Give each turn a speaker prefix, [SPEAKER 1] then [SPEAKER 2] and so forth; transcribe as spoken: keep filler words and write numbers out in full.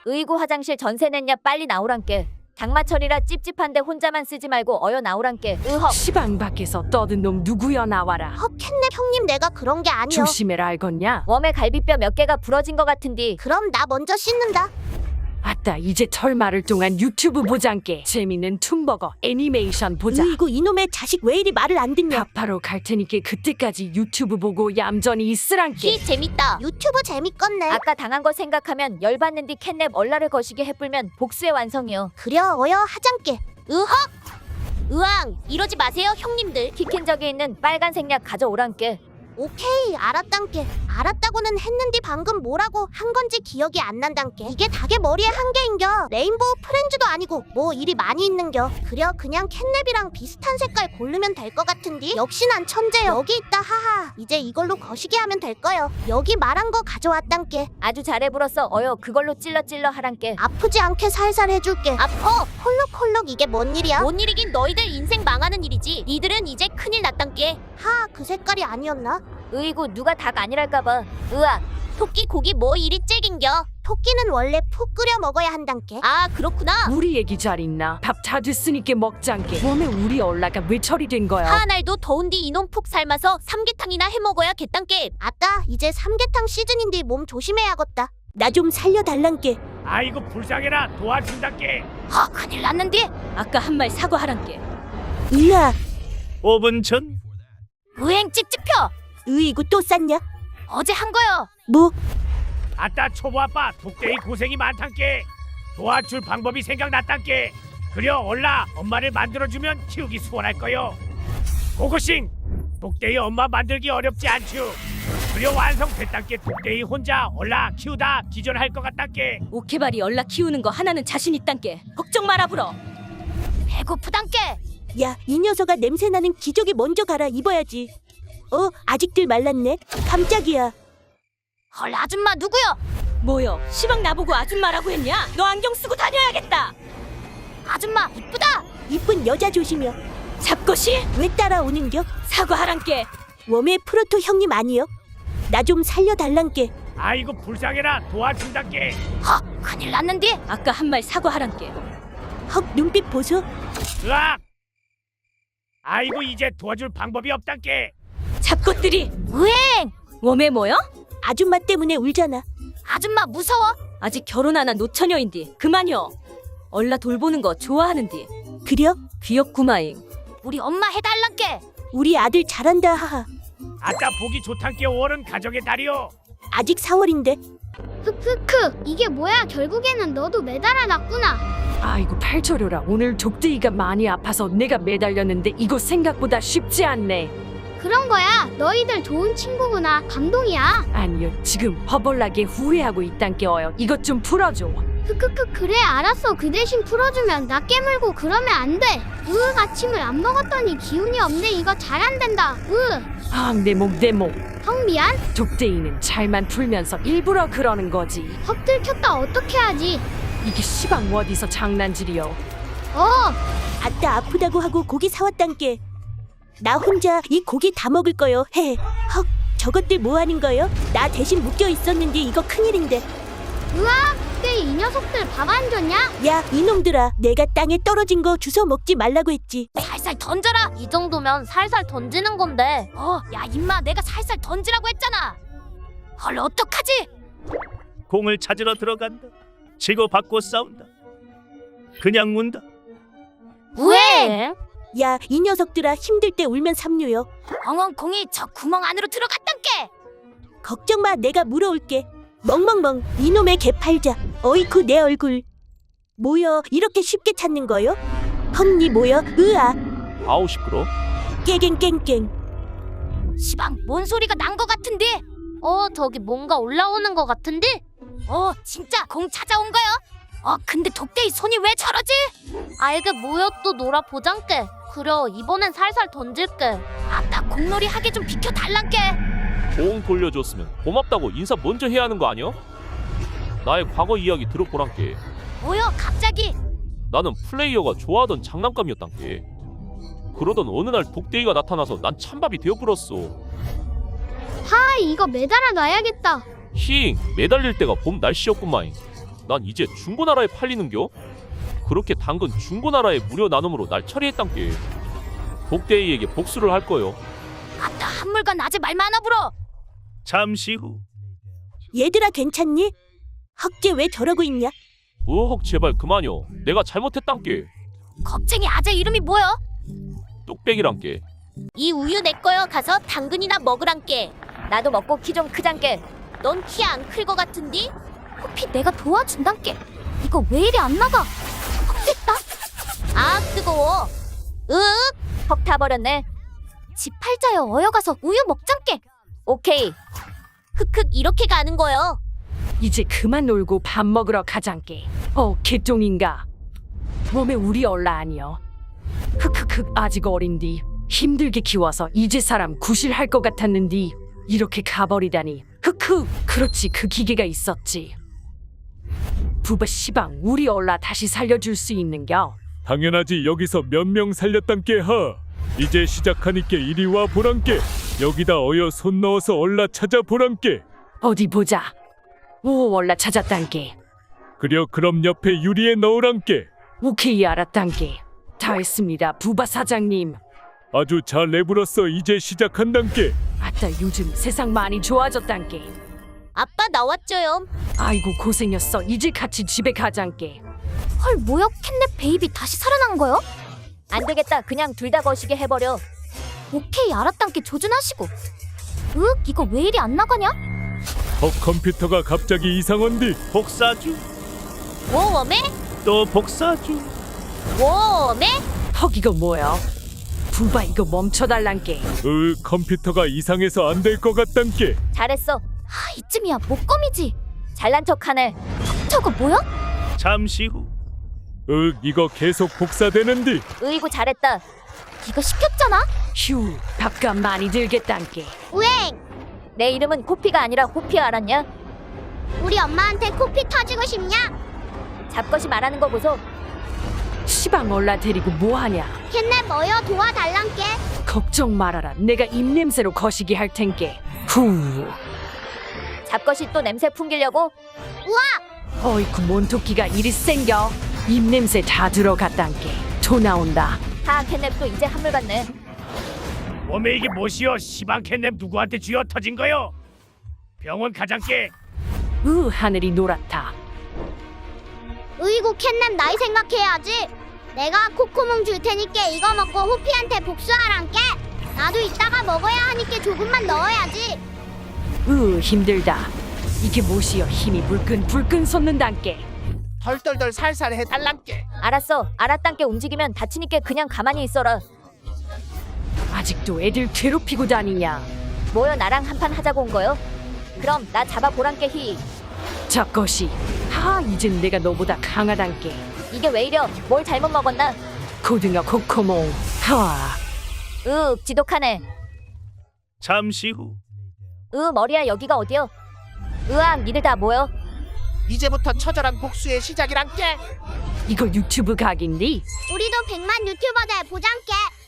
[SPEAKER 1] 으이구 화장실 전세 냈냐 빨리 나오란께. 장마철이라 찝찝한데 혼자만 쓰지 말고 어여 나오란께. 으헉.
[SPEAKER 2] 시방 밖에서 떠든 놈 누구여 나와라.
[SPEAKER 3] 헉 캣냅 형님 내가 그런 게 아니여.
[SPEAKER 2] 조심해라 알겄냐?
[SPEAKER 1] 웜에 갈비뼈 몇 개가 부러진 것 같은디.
[SPEAKER 3] 그럼 나 먼저 씻는다.
[SPEAKER 2] 아따 이제 철마를 동안 유튜브 보장께. 재밌는 툰버거 애니메이션 보자.
[SPEAKER 3] 으이구 이놈의 자식 왜 이리 말을 안 듣냐.
[SPEAKER 2] 밥하러 갈 테니까 그때까지 유튜브 보고 얌전히 있으란께.
[SPEAKER 1] 히 재밌다.
[SPEAKER 3] 유튜브 재밌겠네.
[SPEAKER 1] 아까 당한 거 생각하면 열받는디. 캣냅 얼라를 거시게 해불면 복수의 완성이요.
[SPEAKER 3] 그려 어여 하장께.
[SPEAKER 1] 으헉. 으앙 이러지 마세요 형님들. 키킨적에 있는 빨간색 약 가져오란께.
[SPEAKER 3] 오케이 알았단께. 알았다고는 했는디 방금 뭐라고 한 건지 기억이 안 난단께. 이게 닭의 머리에 한 개인겨. 레인보우 프렌즈도 아니고 뭐 일이 많이 있는겨. 그려 그냥 캣냅이랑 비슷한 색깔 고르면 될 것 같은디. 역시 난 천재여. 여기 있다 하하. 이제 이걸로 거시기 하면 될 거여. 여기 말한 거 가져왔단께.
[SPEAKER 1] 아주 잘해 불었어. 어여 그걸로 찔러 찔러 하란께.
[SPEAKER 3] 아프지 않게 살살 해줄게. 아퍼. 콜록콜록 이게 뭔 일이야?
[SPEAKER 1] 뭔 일이긴 너희들 인생 망하는 일이지. 니들은 이제 큰일 났단께.
[SPEAKER 3] 하, 그 색깔이 아니었나?
[SPEAKER 1] 으이구 누가 닭 아니랄까봐. 으악. 토끼 고기 뭐 이리 째긴겨.
[SPEAKER 3] 토끼는 원래 푹 끓여 먹어야 한단께.
[SPEAKER 1] 아 그렇구나.
[SPEAKER 2] 우리 얘기 잘 있나? 밥 다 됐으니까 먹장께. 몸에 우리 얼라가 왜 처리된 거야?
[SPEAKER 1] 하날도 더운디 이놈 푹 삶아서 삼계탕이나 해먹어야 겠단께.
[SPEAKER 3] 아따, 이제 삼계탕 시즌인데 몸 조심해야겠다. 나 좀 살려달란께.
[SPEAKER 4] 아이고 불쌍해라 도와준다께.
[SPEAKER 1] 아 큰일 났는데. 아까 한 말 사과하란께.
[SPEAKER 3] 으아,
[SPEAKER 4] 오 분 전
[SPEAKER 1] 으행 찍찍펴.
[SPEAKER 3] 으이구 또 쌌냐?
[SPEAKER 1] 어제 한 거요.
[SPEAKER 3] 뭐?
[SPEAKER 4] 아따 초보 아빠 독대이 고생이 많단께. 도와줄 방법이 생각났단께. 그려 얼라 엄마를 만들어주면 키우기 수월할 거요. 고고싱 독대이 엄마 만들기 어렵지 않죠. 그려 완성됐단께. 독대이 혼자 얼라 키우다 기절할 것 같단께.
[SPEAKER 1] 오케바리 얼라 키우는 거 하나는 자신 있단께. 걱정 마라 불어. 배고프단께.
[SPEAKER 3] 야, 이 녀석아 냄새나는 기저귀 먼저 갈아 입어야지. 어, 아직들 말랐네. 깜짝이야.
[SPEAKER 1] 헐 아줌마 누구요? 뭐요? 시방 나보고 아줌마라고 했냐? 너 안경 쓰고 다녀야겠다. 아줌마 이쁘다.
[SPEAKER 3] 이쁜 여자 조심여.
[SPEAKER 1] 잡것이
[SPEAKER 3] 왜 따라오는겨?
[SPEAKER 1] 사과하란께.
[SPEAKER 3] 웜의 프로토 형님 아니여? 나 좀 살려달란께.
[SPEAKER 4] 아이고 불쌍해라 도와준다께.
[SPEAKER 1] 헉 큰일 났는데. 아까 한 말 사과하란께.
[SPEAKER 3] 헉, 눈빛 보소.
[SPEAKER 4] 으악. 아이고 이제 도와줄 방법이 없단께.
[SPEAKER 1] 잡것들이 으행. 웜에 뭐요?
[SPEAKER 3] 아줌마 때문에 울잖아.
[SPEAKER 1] 아줌마 무서워? 아직 결혼 안 한 노처녀인디 그만요. 얼라 돌보는 거 좋아하는디.
[SPEAKER 3] 그려?
[SPEAKER 1] 귀엽구마잉. 우리 엄마 해달란께.
[SPEAKER 3] 우리 아들 잘한다 하하.
[SPEAKER 4] 아따 보기 좋단께. 오월은 가정의 달이요.
[SPEAKER 3] 아직 사월인데.
[SPEAKER 5] 흑흑흑 이게 뭐야 결국에는 너도 매달아 놨구나.
[SPEAKER 2] 아이고 팔초려라. 오늘 족대이가 많이 아파서 내가 매달렸는데 이거 생각보다 쉽지 않네.
[SPEAKER 5] 그런 거야 너희들 좋은 친구구나. 감동이야.
[SPEAKER 2] 아니요 지금 허벌나게 후회하고 있단께. 어여 이것 좀 풀어줘.
[SPEAKER 5] 흑흑흑 그래 알았어. 그 대신 풀어주면 나 깨물고 그러면 안 돼. 으 아침을 안 먹었더니 기운이 없네. 이거 잘 안 된다.
[SPEAKER 2] 아내 목 내 목.
[SPEAKER 5] 으형 미안.
[SPEAKER 2] 족대이는 잘만 풀면서 일부러 그러는 거지.
[SPEAKER 5] 헉 들켰다 어떻게 하지.
[SPEAKER 2] 이게 시방 어디서 장난질이여.
[SPEAKER 5] 어
[SPEAKER 3] 아따 아프다고 하고 고기 사왔단께. 나 혼자 이 고기 다 먹을 거요. 헤. 헉, 저것들 뭐 하는 거요? 나 대신 묶여 있었는데 이거 큰일인데.
[SPEAKER 5] 으아 그때 이 녀석들 밥 안 줬냐.
[SPEAKER 3] 야, 이놈들아. 내가 땅에 떨어진 거 주워 먹지 말라고 했지.
[SPEAKER 1] 살살 던져라. 이 정도면 살살 던지는 건데. 어, 야 임마 내가 살살 던지라고 했잖아. 헐 어떡하지?
[SPEAKER 4] 공을 찾으러 들어간다. 치고받고 싸운다. 그냥 운다.
[SPEAKER 1] 왜?
[SPEAKER 3] 야, 이 녀석들아 힘들 때 울면 삼류요.
[SPEAKER 1] 엉엉 공이 저 구멍 안으로 들어갔단께.
[SPEAKER 3] 걱정 마, 내가 물어올게. 멍멍멍, 이놈의 개 팔자. 어이쿠 내 얼굴. 뭐여, 이렇게 쉽게 찾는 거요? 헉니 뭐여, 으아.
[SPEAKER 4] 아우 시끄러.
[SPEAKER 3] 깨갱깽깽.
[SPEAKER 1] 시방 뭔 소리가 난 거 같은데? 어 저기 뭔가 올라오는 거 같은데? 어 진짜 공 찾아온 거요? 어 근데 독대이 손이 왜 저러지? 알게 뭐여 또 놀아 보장께. 그려 이번엔 살살 던질게. 아따 공놀이 하게 좀 비켜달란께.
[SPEAKER 6] 공 돌려줬으면 고맙다고 인사 먼저 해야 하는 거 아니야? 나의 과거 이야기 들어보란께.
[SPEAKER 1] 뭐여 갑자기?
[SPEAKER 6] 나는 플레이어가 좋아하던 장난감이었단께. 그러던 어느 날 독대이가 나타나서 난 찬밥이 되어버렸어.
[SPEAKER 5] 하 이거 매달아 놔야겠다.
[SPEAKER 6] 힝 매달릴 때가 봄 날씨였구만. 난 이제 중고나라에 팔리는겨? 그렇게 당근 중고나라에 무료 나눔으로 날 처리했단께. 독대이에게 복수를 할 거요.
[SPEAKER 1] 아따 한물간 아재 말 많아 불어.
[SPEAKER 4] 잠시 후
[SPEAKER 3] 얘들아 괜찮니? 헉쟤 왜 저러고 있냐?
[SPEAKER 6] 으헉 제발 그만요. 내가 잘못했단께.
[SPEAKER 1] 겁쟁이 아재 이름이 뭐야?
[SPEAKER 6] 뚝배기란께.
[SPEAKER 3] 이 우유 내 거여. 가서 당근이나 먹으란께. 나도 먹고 키 좀 크장께. 넌 키 안 클 거 같은디?
[SPEAKER 1] 호피 내가 도와준단께. 이거 왜 이리 안 나가? 됐다.
[SPEAKER 3] 아 뜨거워. 으윽 퍽 타버렸네.
[SPEAKER 1] 집 팔자여 어여가서 우유 먹장께.
[SPEAKER 3] 오케이. 흑흑 이렇게 가는 거요.
[SPEAKER 2] 이제 그만 놀고 밥 먹으러 가장께. 어 개똥인가? 몸에 우리 얼라 아니여. 흑흑흑 아직 어린디. 힘들게 키워서 이제 사람 구실할 것 같았는디 이렇게 가버리다니. 흑흑 그렇지 그 기계가 있었지. 부바 시방 우리 얼라 다시 살려줄 수 있는겨?
[SPEAKER 7] 당연하지. 여기서 몇 명 살렸단께 하. 이제 시작하니께 이리 와 보란께. 여기다 어여 손 넣어서 얼라 찾아 보란께.
[SPEAKER 2] 어디 보자. 오 얼라 찾았단께.
[SPEAKER 7] 그려 그럼 옆에 유리에 넣으란께.
[SPEAKER 2] 오케이 알았단께. 다 했습니다 부바 사장님.
[SPEAKER 7] 아주 잘 내불었어. 이제 시작한단께.
[SPEAKER 2] 아따 요즘 세상 많이 좋아졌단께.
[SPEAKER 3] 아빠 나왔죠요.
[SPEAKER 2] 아이고 고생했어. 이제 같이 집에 가장께.
[SPEAKER 1] 헐 뭐야 캣넷 베이비 다시 살아난 거요?
[SPEAKER 3] 안 되겠다. 그냥 둘 다 거시게 해버려.
[SPEAKER 1] 오케이 알았단께 조준하시고. 으 이거 왜 이리 안 나가냐?
[SPEAKER 7] 어 컴퓨터가 갑자기 이상한디.
[SPEAKER 4] 복사주
[SPEAKER 3] 웜에?
[SPEAKER 4] 또 복사주.
[SPEAKER 3] 웜에?
[SPEAKER 2] 헉 이거 뭐야? 부바 이거 멈춰달란께.
[SPEAKER 7] 으 컴퓨터가 이상해서 안 될 것 같단께.
[SPEAKER 3] 잘했어.
[SPEAKER 1] 아 이쯤이야 목검이지.
[SPEAKER 3] 잘난 척하네.
[SPEAKER 1] 저거 뭐야?
[SPEAKER 4] 잠시 후
[SPEAKER 7] 으 이거 계속 복사되는디.
[SPEAKER 3] 으이구 잘했다.
[SPEAKER 1] 이거 시켰잖아.
[SPEAKER 2] 휴 밥값 많이 들겠단께.
[SPEAKER 3] 우행. 내 이름은 코피가 아니라 호피 알았냐? 우리 엄마한테 코피 터지고 싶냐? 잡것이 말하는 거 보소.
[SPEAKER 2] 시방 얼라 데리고 뭐하냐?
[SPEAKER 3] 캣넷 뭐여 도와달란께.
[SPEAKER 2] 걱정 말아라. 내가 입냄새로 거시기 할 텐께. 후.
[SPEAKER 3] 잡것이 또 냄새 풍기려고?
[SPEAKER 2] 어이쿠 몬토끼가 이리 생겨. 입냄새 다 들어갔단께. 토 나온다.
[SPEAKER 3] 하 캣넷도 이제 한물 같네.
[SPEAKER 4] 몸에 이게 뭐시여? 시방 캣냅 누구한테 쥐어 터진 거요? 병원 가장께.
[SPEAKER 2] 으 하늘이 노랗다.
[SPEAKER 5] 으이구 캣넷 나이 생각해야지. 내가 코코몽 줄 테니까 이거 먹고 호피한테 복수하란께. 나도 이따가 먹어야 하니까 조금만 넣어야지.
[SPEAKER 2] 으 힘들다. 이게 뭐시여 힘이 불끈 불끈 솟는단께.
[SPEAKER 8] 덜덜덜 살살 해달란께.
[SPEAKER 3] 알았어. 알았단께. 움직이면 다치니까 그냥 가만히 있어라.
[SPEAKER 2] 아직도 애들 괴롭히고 다니냐?
[SPEAKER 3] 뭐여 나랑 한판 하자고 온 거요? 그럼 나 잡아보란께 히.
[SPEAKER 2] 저것이 하 이젠 내가 너보다 강하단께.
[SPEAKER 3] 이게 왜 이려? 뭘 잘못 먹었나?
[SPEAKER 2] 고등어 코코몽 하.
[SPEAKER 3] 으 지독하네.
[SPEAKER 4] 잠시 후
[SPEAKER 3] 으 머리야 여기가 어디여? 으악 니들 다 모여.
[SPEAKER 8] 이제부터 처절한 복수의 시작이란께.
[SPEAKER 2] 이거 유튜브 각인디?
[SPEAKER 5] 우리도 백만 유튜버들 보장께.